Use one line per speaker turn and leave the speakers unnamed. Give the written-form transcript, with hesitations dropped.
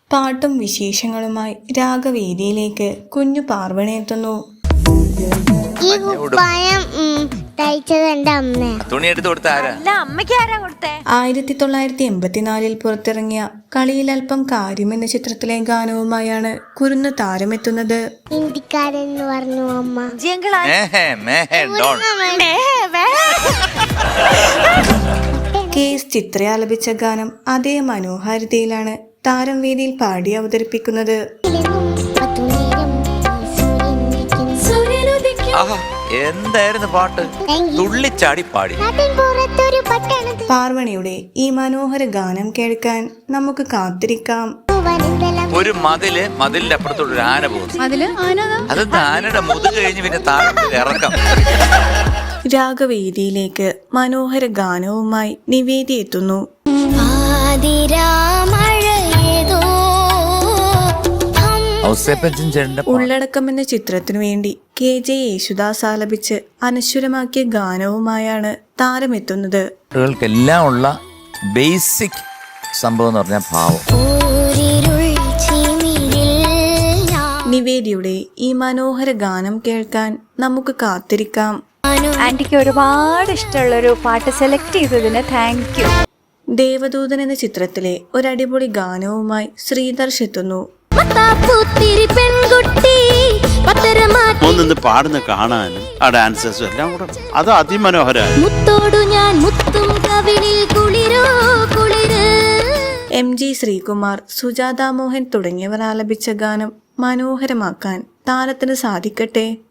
പാട്ടും വിശേഷങ്ങളുമായി രാഗവേദിയിലേക്ക് കുഞ്ഞു പാർവണി എത്തുന്നു.
ഈ കുപ്പായം തയ്ച്ചത് എന്റെ അമ്മ.
തുണി എടുത്ത് കൊടുത്ത ആരാ?
1984 പുറത്തിറങ്ങിയ കളിയിൽ അല്പം കാര്യം എന്ന ചിത്രത്തിലെ ഗാനവുമായാണ് കുരുന്ന് താരമെത്തുന്നത്.
ഹിന്ദിക്കാരൻ പറഞ്ഞു അമ്മ.
KS ചിത്ര ആലപിച്ച ഗാനം അതേ മനോഹാരിതയിലാണ് താരം വേദിയിൽ പാടി അവതരിപ്പിക്കുന്നത്.
എന്തായിരുന്നു പാട്ട്? തുള്ളിച്ചാടി പാടി.
പാർവണിയുടെ ഈ മനോഹര ഗാനം കേൾക്കാൻ നമുക്ക് കാത്തിരിക്കാം.
ഒരു മതിലിന്റെ അപ്പുറത്തോട് ഒരു ആന പോകുന്നു. അത് ആനയുടെ മുതുക് കഴിഞ്ഞ് പിന്നെ താഴെ ഇറക്കാം.
രാഗവേദിയിലേക്ക് മനോഹര ഗാനവുമായി നിവേദി എത്തുന്നു. ഉള്ളടക്കം എന്ന ചിത്രത്തിനു വേണ്ടി KJ യേശുദാസ് ആലപിച്ച് അനശ്വരമാക്കിയ ഗാനവുമായാണ് താരമെത്തുന്നത്.
കുട്ടികൾക്കെല്ലാം ഉള്ള ബേസിക് സംഭവം എന്ന് പറഞ്ഞാൽ ഭാവം.
നിവേദിയുടെ ഈ മനോഹര ഗാനം കേൾക്കാൻ നമുക്ക് കാത്തിരിക്കാം.
ആന്റിക്ക് ഒരുപാട് ഇഷ്ടമുള്ളൊരു പാട്ട് സെലക്ട് ചെയ്തതിന് താങ്ക് യു.
ദേവദൂതൻ എന്ന ചിത്രത്തിലെ ഒരടിപൊളി ഗാനവുമായി ശ്രീധർഷ് എത്തുന്നു.
ഒന്നിന്ന് പാടുന്ന കാണാനും ആ ഡാൻസേഴ്സും എല്ലാം കൂടെ അത് അതിമനോഹരമായി.
MG ശ്രീകുമാർ, സുജാത മോഹൻ തുടങ്ങിയവർ ആലപിച്ച ഗാനം മനോഹരമാക്കാൻ താരത്തിന് സാധിക്കട്ടെ.